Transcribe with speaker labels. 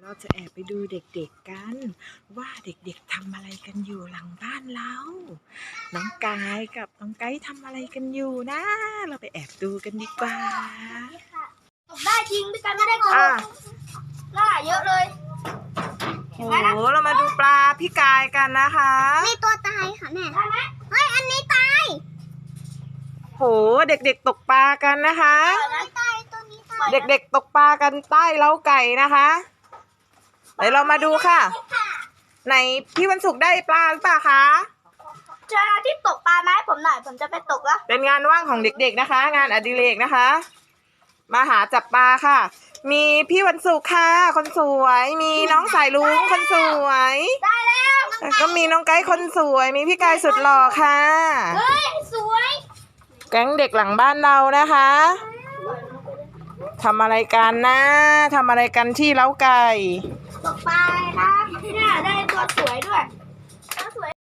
Speaker 1: เราจะแอบไปดูเด็กๆกันว่าเด็กๆทำอะไรกันอยู่หลังบ้านเราน้องกายกับน้องไก่ทำอะไรกันอยู่นะเราไปแอบดูกันดีกว่า
Speaker 2: ได้จริงพี่กันไม่ได้โกหกล่าเยอะเลย
Speaker 1: โอ้โหเรามาดูปลาพี่กายกันนะคะ
Speaker 2: มีตัวตายค่ะแม่ได้ไหมเฮ้ยอันนี้ตาย
Speaker 1: โหเด็กๆตกปลากันนะคะ
Speaker 2: ตายตัวนี้ตาย
Speaker 1: เด็กๆตกปลากันใต้เล้าไก่นะคะเดี๋ยวเรามาดูค่ะไหนพี่วันศุกร์ได้ปลาหรือเปล่าคะ
Speaker 2: เจอที่ตกปลาไหมผมหน่อยผมจะไปตกแล้ว
Speaker 1: เป็นงานว่างของเด็กๆนะคะ งานอดิเรกนะคะมาหาจับปลาค่ะ มีพี่วันศุกร์ค่ะคนสวยมีน้องสายลุงคนสวย
Speaker 2: ได้แล้ว
Speaker 1: ก็มีน้องไก่คนสวยมีพี่กายสุดหล่อค่ะ
Speaker 2: เฮ้ยสวย
Speaker 1: แก๊งเด็กหลังบ้านเรานะคะทำอะไรกันนะทำอะไรกันที่เล้าไก่
Speaker 2: ตกปลาครับเนี่ยได้ตัวสวยด้วย